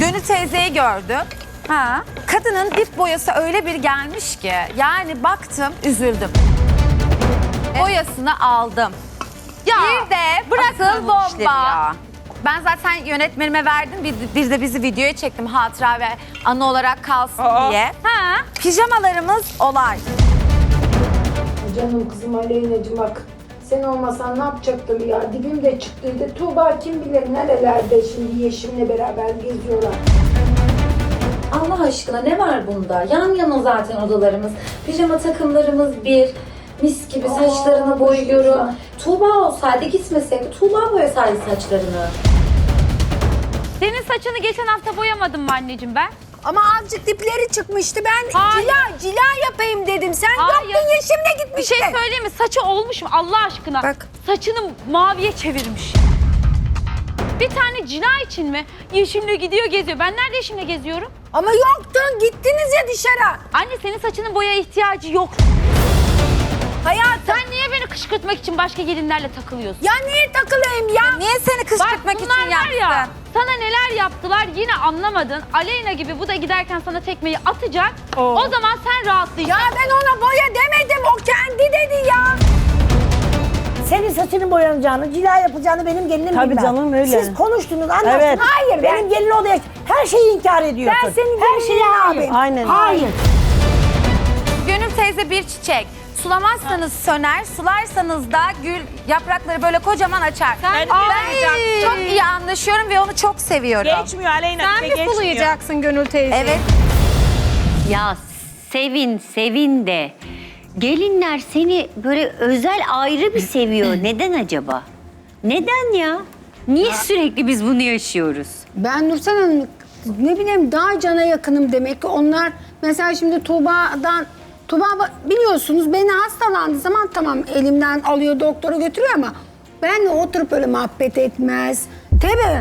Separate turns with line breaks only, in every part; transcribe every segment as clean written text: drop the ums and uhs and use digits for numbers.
Gönül teyzeyi gördüm. Ha. Kadının dip boyası öyle bir gelmiş ki yani baktım üzüldüm. Boyasını aldım.
Ya
Bir de
bırakın bu işleri ya.
Ben zaten yönetmenime verdim. Bir de bizi videoya çektim hatıra ve anı olarak kalsın diye. Ha. Pijamalarımız olay.
Canım kızım Aleyna'cığım bak. Sen olmasan ne yapacaktım ya? Dibimde çıktıydı. Tuğba kim bilir nerelerde şimdi Yeşim'le beraber geziyorlar.
Allah aşkına ne var bunda? Yan yana zaten odalarımız. Pijama takımlarımız bir. Mis gibi saçlarını boyuyorum. Tuğba olsaydı gitmeseydi Tuğba boyasaydı saçlarını.
Senin saçını geçen hafta boyamadım mı anneciğim ben?
Ama azıcık dipleri çıkmıştı. Ben
Hayır.
cila yapayım dedim. Sen
Hayır.
yoktun Yeşim'le
Bir
gitmiştin.
şey söyleyeyim mi? Saçı olmuş mu Allah aşkına?
Bak.
Saçını maviye çevirmiş. Bir tane cila için mi? Yeşim'le gidiyor geziyor. Ben nerede Yeşim'le geziyorum?
Ama yoktun. Gittiniz ya dışarı.
Anne senin saçının boya ihtiyacı yok.
Hayatım.
Sen niye beni kışkırtmak için başka gelinlerle takılıyorsun?
Ya niye takılayım ya?
Niye seni kışkırtmak için
bunlar var ya,
yaptın?
sana neler yaptılar yine anlamadın. Aleyna gibi bu da giderken sana tekmeyi atacak. O zaman sen rahatlayacaksın.
Ya ben ona boya demedim. O kendi dedi ya.
Senin saçının boyanacağını, cila yapacağını benim gelinim
Tabii
bilmez.
canım, öyle.
Siz konuştunuz, anlaştınız.
Evet.
Hayır, benim gelin odaya her şeyi inkar ediyorsun.
Ben senin
her şeyi
gelinine
hayır.
yapayım.
Aynen.
Hayır.
Gönül teyze bir çiçek. Sulamazsanız söner, sularsanız da gül yaprakları böyle kocaman açar.
Sen
Çok iyi anlaşıyorum ve onu çok seviyorum.
Geçmiyor Aleyna. Sen mi sulayacaksın?
Gönül teyze?
Evet.
Ya sevin de gelinler seni böyle özel ayrı bir seviyor. Neden acaba? Neden ya? Niye sürekli biz bunu yaşıyoruz?
Ben Nursel Hanım ne bileyim daha cana yakınım demek ki onlar mesela şimdi Tuğba biliyorsunuz beni hastalandığı zaman tamam elimden alıyor doktora götürüyor ama benle oturup öyle muhabbet etmez. Tabii.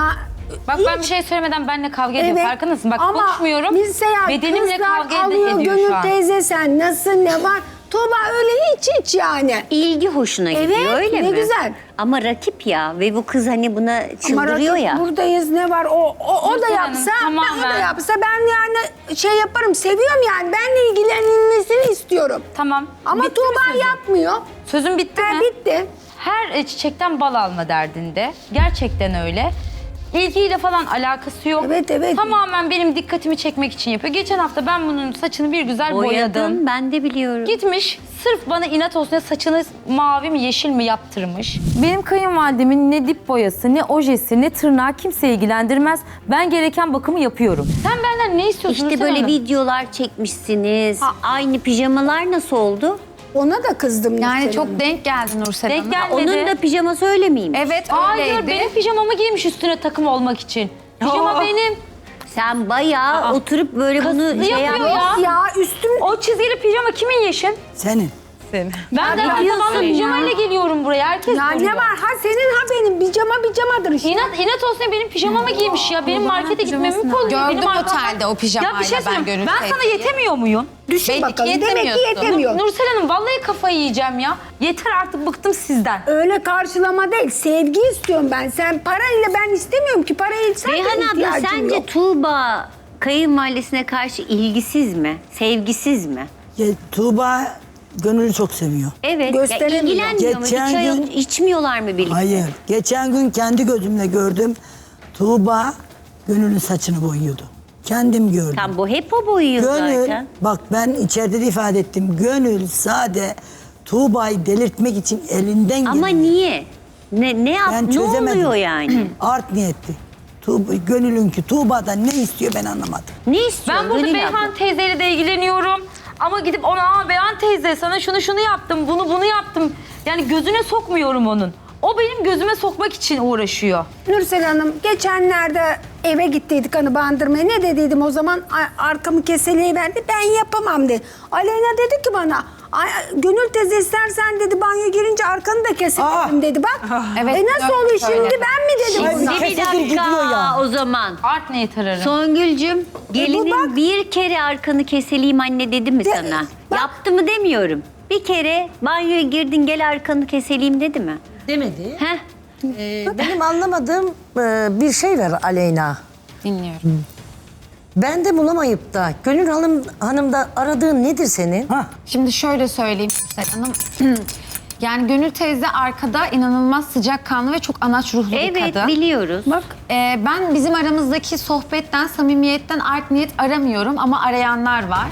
Bak ben bir şey söylemeden benimle kavga ediyor. Farkındasın? Bak
ama
konuşmuyorum.
mesela
Bedenimle
kızlar
kavga
alıyor
ediyor
Gönül
şu an.
teyze sen nasıl ne var? Tuğba öyle hiç yani.
İlgi hoşuna gidiyor
Evet,
öyle
ne
mi?
güzel.
Ama rakip ya ve bu kız hani buna
Ama
çıldırıyor
rakip
ya.
buradayız ne var o da
Nursel Hanım,
yapsa o da
tamamen.
yapsa ben yani şey yaparım seviyorum yani benle ilgilenilmesini istiyorum.
Tamam.
Ama
Bitti mi
Tuğba
sözün?
yapmıyor.
Sözün bitti mi?
Bitti.
Her çiçekten bal alma derdinde. Gerçekten öyle. İlgiyle falan alakası yok.
Evet.
Tamamen benim dikkatimi çekmek için yapıyor. Geçen hafta ben bunun saçını bir güzel boyadım.
Boyadım ben de biliyorum.
Gitmiş sırf bana inat olsun diye saçını mavi mi yeşil mi yaptırmış.
Benim kayınvalidemin ne dip boyası, ne ojesi, ne tırnağı kimse ilgilendirmez. Ben gereken bakımı yapıyorum.
Sen benden ne istiyorsun
İşte
Nursel
böyle
Hanım?
videolar çekmişsiniz. Aynı pijamalar nasıl oldu?
Ona da kızdım.
Yani
Nursel
çok
Hanım.
denk geldi Nursel
Denk
Hanım.
gelmedi.
Onun da pijaması öyle miymiş?
Evet
Hayır
öyleydi.
benim pijamamı giymiş üstüne takım olmak için. Pijama benim.
Sen bayağı oturup böyle bunu
Kasıtlı
şey
yapıyor
yapma.
ya.
Ya üstüm
O çizgili pijama kimin Yeşim?
Senin.
Ben de zamanla pijamayla geliyorum buraya. Herkes
ya
görüyor.
ne var ha senin ha benim pijamadır işte.
İnat olsun diye benim pijamamı giymiş ya. Benim markete gitmemi mi kolluyor?
Gördüm
Benim arkamdan-
otelde o pijamayla
Ya bir şey
ben
söyleyeyim.
Gönül
Ben sana
teyzeyi.
yetemiyor muyum?
Düşün
Belli ki
bakalım demek ki
yetemiyorsun.
yetemiyor.
Nursel Hanım vallahi kafayı yiyeceğim ya. Yeter artık bıktım sizden.
Öyle karşılama değil sevgi istiyorum ben. Sen parayla ben istemiyorum ki parayı sen de
Reyhan abla
ihtiyacın
sence
yok.
Tuğba kayınvalidesine karşı ilgisiz mi? Sevgisiz mi?
Ya, Tuğba Gönül'ü çok seviyor.
Evet. Ya
Gösteremiyor.
ilgilenmiyor mu?
Geçen
Bir çay
gün-
içmiyorlar mı birlikte?
Hayır. Geçen gün kendi gözümle gördüm. Tuğba Gönül'ün saçını boyuyordu. Kendim gördüm.
Tam bu hep o boyuyor
Gönül,
zaten.
bak ben içeride de ifade ettim. Gönül sade Tuğba'yı delirtmek için elinden
Ama
geleni-
niye? Ne yap?
Ben
Ne
çözemedim.
oluyor yani?
Art niyetli. Gönül'ünki Tuğba'dan ne istiyor ben anlamadım.
Ne istiyor?
Ben burada
Gönül
Beyhan
abla?
teyzeyle de ilgileniyorum. Ama gidip ona Beyhan teyze sana şunu yaptım, bunu yaptım. Yani gözüne sokmuyorum onun. O benim gözüme sokmak için uğraşıyor.
Nursel Hanım geçenlerde eve gittiydik hani bandırmaya. Ne dediydim o zaman? Arkamı keseliği verdi. Ben yapamam dedi. Aleyna dedi ki bana Gönül teyze istersen dedi banyo girince arkanı da keselim dedi bak.
Evet,
nasıl oluyor
öyle.
şimdi ben mi dedim
Ay,
ona?
Bir
Kesedir gidiyor
dakika
ya.
o zaman.
Art niyet ararım.
Songül'cüm gelinin
bak.
bir kere arkanı keseleyim anne dedi mi sana?
bak.
Yaptı mı demiyorum. Bir kere banyoya girdin gel arkanı keseleyim dedi mi?
Demedi.
Heh.
Benim anlamadığım bir şey var Aleyna.
Dinliyorum.
Ben de bulamayıp da Gönül Hanım'da aradığın nedir senin?
Şimdi şöyle söyleyeyim Yüksel Hanım. Yani Gönül teyze arkada inanılmaz sıcakkanlı ve çok anaç ruhlu bir
Evet
kadın.
biliyoruz.
Bak
Ben bizim aramızdaki sohbetten, samimiyetten art niyet aramıyorum ama arayanlar var.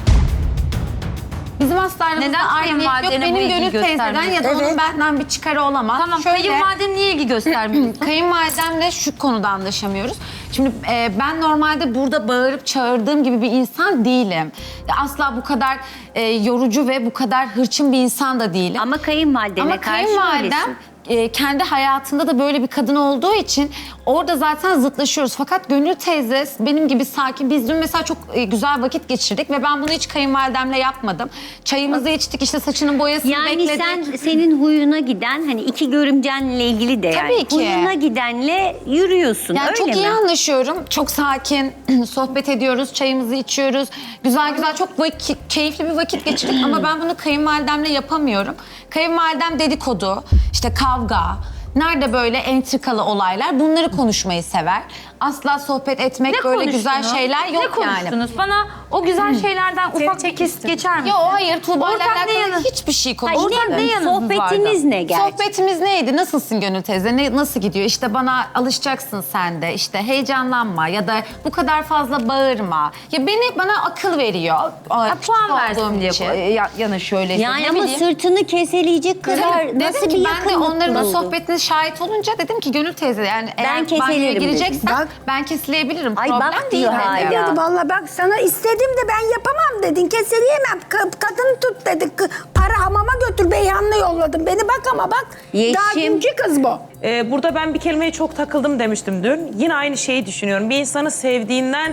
Bizim asla aramızda
Neden
art niyet yok.
kayınvalidene bu
Benim
ilgiyi
Gönül teyzeden ya da onun
Evet.
benden bir çıkarı olamaz.
Tamam,
Şöyle,
kayınvaliden niye ilgi göstermiyorsun?
kayınvalidemle şu konuda anlaşamıyoruz. Şimdi ben normalde burada bağırıp çağırdığım gibi bir insan değilim. Asla bu kadar yorucu ve bu kadar hırçın bir insan da değilim.
Ama kayınvalidene
Ama
karşı
kayınvalidem
öylesin.
kendi hayatında da böyle bir kadın olduğu için orada zaten zıtlaşıyoruz. Fakat Gönül teyze benim gibi sakin. Biz dün mesela çok güzel vakit geçirdik ve ben bunu hiç kayınvalidemle yapmadım. Çayımızı içtik, işte saçının boyasını
Yani
bekledik.
senin huyuna giden hani iki görümcenle ilgili de yani.
Tabii ki.
Huyuna gidenle yürüyorsun
Yani
öyle
çok
mi?
iyi anlaşıyorum. Çok sakin sohbet ediyoruz, çayımızı içiyoruz. Güzel çok keyifli bir vakit geçirdik ama ben bunu kayınvalidemle yapamıyorum. Kayınvalidem dedikodu, işte kavga, nerede böyle entrikalı olaylar bunları konuşmayı sever. Asla sohbet etmek böyle güzel
konuştunuz?
şeyler yok
Ne
yani.
konuştunuz? Bana o güzel şeylerden ufak bir kesit geçer misin?
Yo hayır Tuğba'yla
Ortak ne
alakalı
yanı-
hiçbir şey
Hayır,
konuşmadık.
ne yanınız
sohbetiniz ne gerçi?
Sohbetimiz neydi? Nasılsın Gönül teyze? Nasıl gidiyor? İşte bana alışacaksın sen de. İşte heyecanlanma ya da bu kadar fazla bağırma. Ya bana akıl veriyor. Küçük
Puan
olduğum
versin diye
için.
yana şöyle.
Yani
ne
ama
bileyim.
sırtını keseleyecek kadar
Dedim
nasıl
ki
bir
ben de
yakınlık
onların o
buldun?
sohbetine şahit olunca dedim ki Gönül teyze yani eğer banyoya
keselerim
gireceksen
dedim.
ben kesilebilirim.
Ay
Problem
bak
değil
diyor
bence.
hala.
dedi vallahi bak sana istedim de ben yapamam dedin. Keseleyemem. Kadın tut dedi. Para hamama götür Beyhan'la yolladım. Beni bak ama bak. Daha
Yeşim.
dünkü kız bu.
Burada ben bir kelimeye çok takıldım demiştim dün. Yine aynı şeyi düşünüyorum. Bir insanı sevdiğinden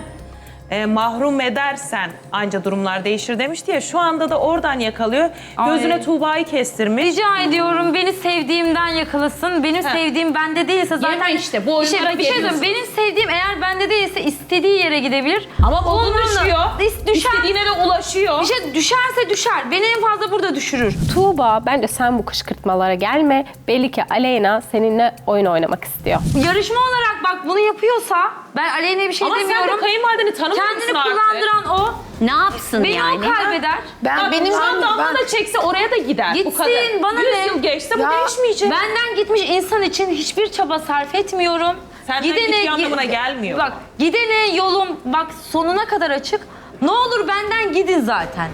mahrum edersen anca durumlar değişir demişti ya. Şu anda da oradan yakalıyor. Gözüne
Ay.
Tuğba'yı kestirmiş.
Rica ediyorum beni sevdiğimden yakalasın. Benim sevdiğim bende değilse zaten...
Yeme işte, bu oyunlara
bir şey
geliyorsun.
söyleyeyim. Benim sevdiğim eğer bende değilse istediği yere gidebilir.
Ama modu
Onunla-
düşüyor.
Düşer.
İstediğine de ulaşıyor.
Bir şey düşerse düşer. Beni en fazla burada düşürür.
Tuğba bence sen bu kışkırtmalara gelme. Belli ki Aleyna seninle oyun oynamak istiyor.
Yarışma olarak bak bunu yapıyorsa ben Aleyna'ya bir şey
Ama sen
demiyorum.
de kayınvalideni tanımıyor musun
Kendini
artık?
kullandıran o.
Ne yapsın
Beni
yani?
o kaybeder.
Benim
Tam damla da çekse oraya da gider. bu kadar.
Gitsin, bana
100
ne?
yıl geçse
Ya,
bu değişmeyecek.
Benden gitmiş insan için hiçbir çaba sarf etmiyorum.
Senden gittiği anlamına gelmiyor.
Bak gidene yolum bak sonuna kadar açık. Ne olur benden gidin zaten.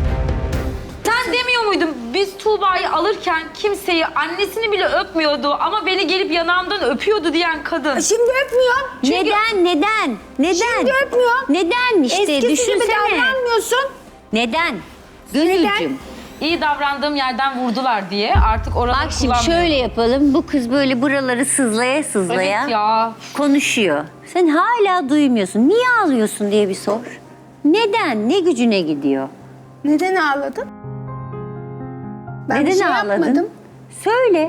Sen demiyor muydun biz Tuğba'yı alırken kimseyi annesini bile öpmüyordu ama beni gelip yanağımdan öpüyordu diyen kadın.
Şimdi öpmüyor.
Neden?
Şimdi öpmüyor.
Neden işte
Eskisi gibi
düşünsene.
davranmıyorsun.
Neden? Gönülcüm.
İyi davrandığım yerden vurdular diye artık oraları
Bak şimdi
kullanmıyorum.
şöyle yapalım. Bu kız böyle buraları sızlaya
Evet ya.
konuşuyor. Sen hala duymuyorsun. Niye ağlıyorsun diye bir sor. Neden? Ne gücüne gidiyor?
Neden ağladın? Ben
Neden
bir şey
ağladın?
yapmadım.
Söyle.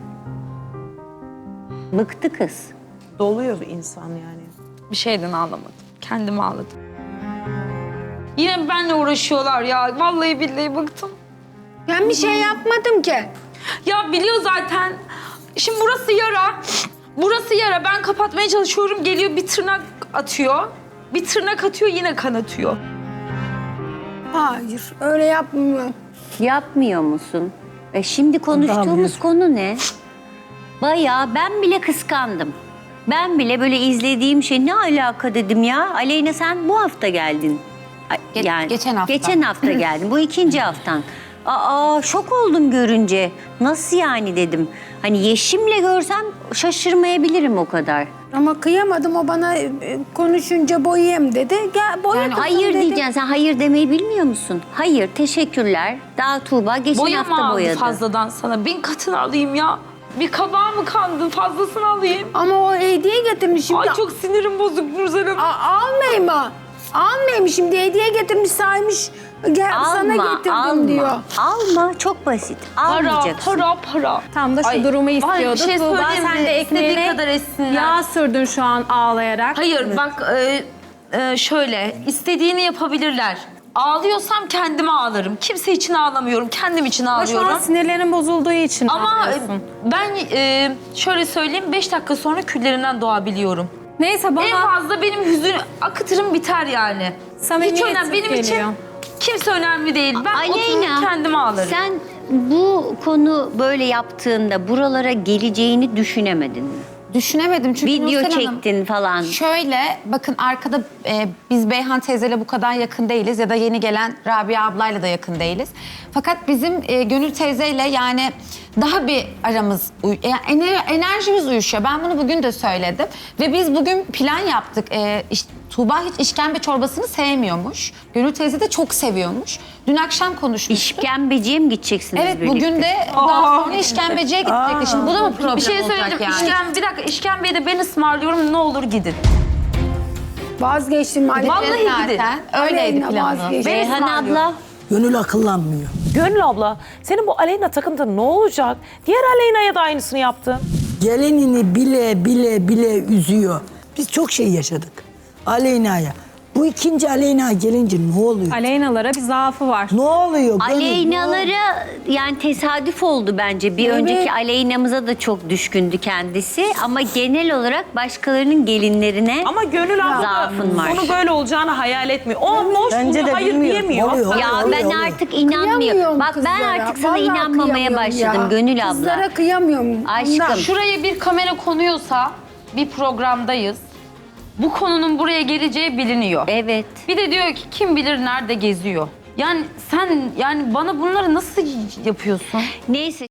Bıktı kız.
Doluyor bir insan yani.
Bir şeyden ağlamadım. Kendimi ağladım. Yine benimle uğraşıyorlar ya. Vallahi billahi bıktım.
Ben bir şey yapmadım ki.
Ya biliyor zaten. Şimdi burası yara. Burası yara. Ben kapatmaya çalışıyorum. Geliyor bir tırnak atıyor. Bir tırnak atıyor yine kan atıyor.
Hayır öyle yapmıyor.
Yapmıyor musun? Şimdi konuştuğumuz konu ne? Bayağı ben bile kıskandım. Ben bile böyle izlediğim şey ne alaka dedim ya. Aleyna sen bu hafta geldin.
Geçen hafta.
Geçen hafta geldin. Bu ikinci haftan. Şok oldum görünce. Nasıl yani dedim. Hani Yeşim'le görsem şaşırmayabilirim o kadar.
Ama kıyamadım o bana konuşunca boyayım dedi. Gel boya kızım
Hayır
dedi.
diyeceksin. Sen hayır demeyi bilmiyor musun? Hayır, teşekkürler. Daha Tuğba geçen
Boya mı
hafta
aldı
boyadı.
fazladan sana? 1000 katını alayım ya. Bir kabağa mı kandın? Fazlasını alayım.
Ama o hediye getirmiş şimdi.
Ay çok sinirim bozuk Nursel Hanım.
Almayayım mı? Almayayım şimdi hediye getirmiş saymış. Gel sana getirdim diyor.
Alma, çok basit. Almayacaksın.
Para.
Tam da şu durumu istiyordu.
bir şey
Tuğba
söyleyeyim
sen
mi?
de
İstediği
ekmeğine
kadar etsinler.
yağ sürdün şu an ağlayarak.
Hayır bak şöyle istediğini yapabilirler. Ağlıyorsam kendime ağlarım. Kimse için ağlamıyorum. Kendim için
Ama şu an
ağlıyorum.
sinirlerin bozulduğu için
Ama
ağlıyorsun.
ben şöyle söyleyeyim 5 dakika sonra küllerimden doğabiliyorum.
Neyse bana
En fazla benim hüzün akıtırım biter yani. Hiç
samimiyetsiz
önemli. Benim
geliyor.
için kimse önemli değil. Ben otururum
Aleyna,
kendime ağlarım.
sen bu konu böyle yaptığında buralara geleceğini düşünemedin mi?
Düşünemedim çünkü
Video
Nursel Hanım,
çektin falan.
Şöyle bakın arkada biz Beyhan teyzeyle bu kadar yakın değiliz ya da yeni gelen Rabia ablayla da yakın değiliz. Fakat bizim Gönül teyzeyle yani daha bir aramız, enerjimiz uyuşuyor. Ben bunu bugün de söyledim. Ve biz bugün plan yaptık. Tuğba hiç işkembe çorbasını sevmiyormuş. Gönül teyze de çok seviyormuş. Dün akşam konuşmuştuk.
İşkembeciye mi gideceksiniz
Evet
birlikte?
bugün de daha sonra işkembeciye gidecektik. Şimdi bu da mı problem
Bir şey
olacak
söyledim.
yani?
Bir dakika işkembeyi de ben ısmarlıyorum. Ne olur gidin.
Vazgeçtim.
Vallahi gidin.
Öyleydi
Aleyna
planımız.
vazgeçtim.
Beyhan abla.
Gönül akıllanmıyor.
Gönül abla, senin bu Aleyna takıntın ne olacak? Diğer Aleyna'ya da aynısını yaptın.
Gelinini bile üzüyor. Biz çok şey yaşadık. Aleyna'ya. Bu ikinci Aleyna gelince ne oluyor?
Aleynalara bir zaafı var.
Ne oluyor? Gönül,
Aleynalara yani tesadüf oldu bence. Bir önceki Aleyna'mıza da çok düşkündü kendisi. Ama genel olarak başkalarının gelinlerine
Ama Gönül abla
zaafın var.
onu böyle olacağını hayal etmiyor. O boş buluyor, hayır diyemiyor.
Oluyor.
Ya
oluyor,
ben
oluyor.
artık inanmıyorum.
Kıyamıyorum
Bak ben
kızlara.
artık sana
Vallahi
inanmamaya
kıyamıyorum
başladım
ya.
Gönül abla.
Kızlara kıyamıyorum.
Aşkım.
Ondan.
Şuraya bir kamera konuyorsa bir programdayız. Bu konunun buraya geleceği biliniyor.
Evet.
Bir de diyor ki kim bilir nerede geziyor. Yani sen yani bana bunları nasıl yapıyorsun?
Neyse.